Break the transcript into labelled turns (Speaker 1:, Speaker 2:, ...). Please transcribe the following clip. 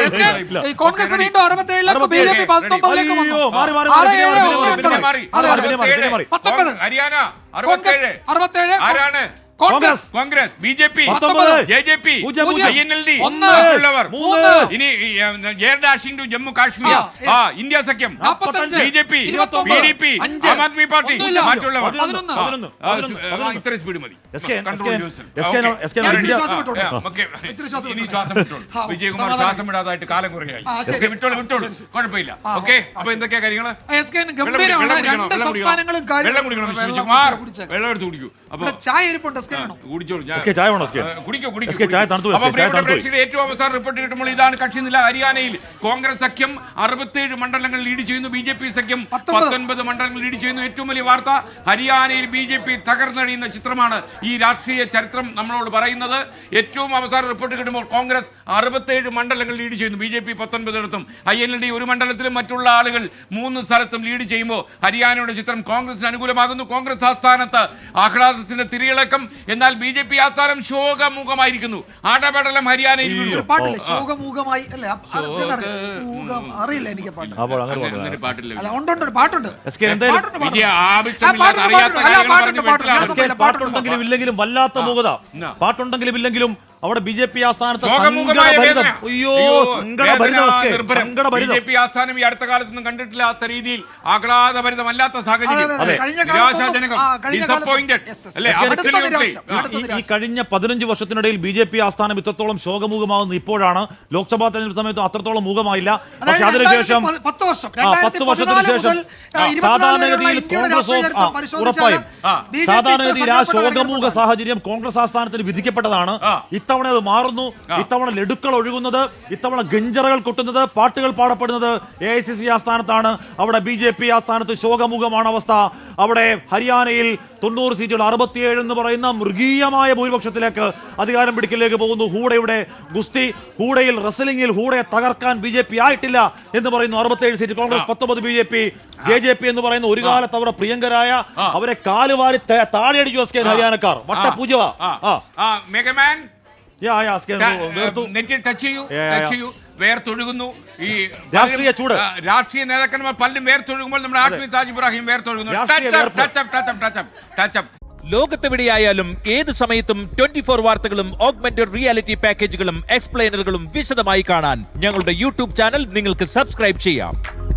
Speaker 1: കോൺഗ്രസ് വീണ്ടും 67ലേക്ക് ബിജെപി 19ലേക്ക് വന്നു.
Speaker 2: ഹരിയാന 67 ആരാണ്? കോൺഗ്രസ്, ബിജെപി, ജെജെപി, INLD ഉള്ളവർ. ഇനി air dashing to Jammu Kashmir, India സഖ്യം, BJP, PDP, Aam Aadmi party, മറ്റുള്ളവർ. ഇത്ര സ്പീഡ് മതി. വിജയകുമാർ ശ്വാസം വിടാതായിട്ട് കാലം കുറയായി. വിട്ടോളൂ, കുഴപ്പമില്ല. ഓക്കെ, അപ്പൊ എന്തൊക്കെയാ കാര്യങ്ങള്? വെള്ളം കുടിക്കണം. വെള്ളം എടുത്ത് കുടിക്കൂ. അപ്പൊ ചായ ഇരിപ്പുണ്ട്. ഏറ്റവും അവസാനം റിപ്പോർട്ട് കിട്ടുമ്പോൾ ഇതാണ് കക്ഷിനില. ഹരിയാനയിൽ കോൺഗ്രസ് സഖ്യം 67 മണ്ഡലങ്ങൾ ലീഡ് ചെയ്യുന്നു. BJP സഖ്യം 19 മണ്ഡലങ്ങൾ ലീഡ് ചെയ്യുന്നു. ഏറ്റവും വലിയ വാർത്ത, ഹരിയാനയിൽ BJP തകർന്നടിയുന്ന ചിത്രമാണ് ഈ രാഷ്ട്രീയ ചരിത്രം നമ്മളോട് പറയുന്നത്. ഏറ്റവും അവസാനം റിപ്പോർട്ട് കിട്ടുമ്പോൾ കോൺഗ്രസ് 67 മണ്ഡലങ്ങൾ ലീഡ് ചെയ്യുന്നു. BJP 19 INLD ഒരു മണ്ഡലത്തിലും മറ്റുള്ള ആളുകൾ 3 സ്ഥലത്തും ലീഡ് ചെയ്യുമ്പോൾ ഹരിയാനയുടെ ചിത്രം കോൺഗ്രസിന് അനുകൂലമാകുന്നു. കോൺഗ്രസ് ആസ്ഥാനത്ത് ആഹ്ലാദത്തിന്റെ തിരിയിളക്കം. എന്നാൽ BJP ആസ്ഥാനം ശോകമുഖമായിരിക്കുന്നു. ആടപടലം ഹരിയാനയിൽ
Speaker 3: അറിയില്ല എനിക്ക് പാട്ട്.
Speaker 4: പാട്ടുണ്ടെങ്കിലും ഇല്ലെങ്കിലും വല്ലാത്ത മൂകത. പാട്ടുണ്ടെങ്കിലും ഇല്ലെങ്കിലും അവിടെ BJP ആസ്ഥാനത്ത്
Speaker 2: BJP ആസ്ഥാനം ഈ അടുത്ത കാലത്തൊന്നും കണ്ടിട്ടില്ലാത്ത രീതിയിൽ ആഹ്ലാദഭരിതമല്ലാത്ത സാഹചര്യം.
Speaker 4: ഈ കഴിഞ്ഞ 15 വർഷത്തിനിടയിൽ BJP ആസ്ഥാനം ഇത്രത്തോളം ശോകമൂകമാകുന്ന ഇപ്പോഴാണ്. ലോക്സഭാ തെരഞ്ഞെടുപ്പ് സമയത്ത് അത്രത്തോളം മൂകമായില്ല. പക്ഷെ അതിനുശേഷം 10 വർഷത്തിന് ശേഷം സാധാരണഗതിയിൽ കോൺഗ്രസ് ഉറപ്പായും സാധാരണഗതിയിൽ ആ ശോകമൂക സാഹചര്യം കോൺഗ്രസ് ആസ്ഥാനത്തിന് വിധിക്കപ്പെട്ടതാണ്. ഇത്തവണ അത് മാറുന്നു. ഇത്തവണ ലഡുക്കൾ ഒഴുകുന്നത്, ഇത്തവണ ഗഞ്ചറകൾ കൊട്ടുന്നത്, പാട്ടുകൾ പാടപ്പെടുന്നത് AICC ആസ്ഥാനത്താണ്. അവിടെ BJP ആസ്ഥാനത്ത് ശോകമുഖമാണ് അവസ്ഥ. അവിടെ ഹരിയാനയിൽ 90 സീറ്റുകൾ 67 എന്ന് പറയുന്ന മൃഗീയമായ ഭൂരിപക്ഷത്തിലേക്ക് അധികാരം പിടിക്കലിലേക്ക് പോകുന്നു. ഹൂഡയുടെ ഗുസ്തി, ഹൂഡയിൽ റെസ്ലിംഗിൽ ഹൂഡയെ തകർക്കാൻ BJP ആയിട്ടില്ല എന്ന് പറയുന്നു. 67 സീറ്റ് കോൺഗ്രസ്, 19 BJP. JJP എന്ന് പറയുന്ന ഒരു കാലത്ത് അവരുടെ പ്രിയങ്കരായ അവരെ കാലുവാരി താഴെയടിച്ചു ഹരിയാനക്കാർ. വട്ടപൂജ
Speaker 2: വേർത്തൊഴുകുന്നു. ഈ
Speaker 4: രാഷ്ട്രീയ ചൂട്,
Speaker 2: രാഷ്ട്രീയ നേതാക്കന്മാർ പലരും വേർത്തൊഴുകുമ്പോൾ നമ്മുടെ ആദ്മി താജ് ഇബ്രാഹിം വേർത്തൊഴുകുന്നു.
Speaker 5: ലോകത്തെവിടെയായാലും ഏത് സമയത്തും 24 വാർത്തകളും ഓഗ്മെന്റഡ് റിയാലിറ്റി പാക്കേജുകളും എക്സ്പ്ലെയിനറുകളും വിശദമായി കാണാൻ ഞങ്ങളുടെ YouTube ചാനൽ നിങ്ങൾക്ക് സബ്സ്ക്രൈബ് ചെയ്യാം.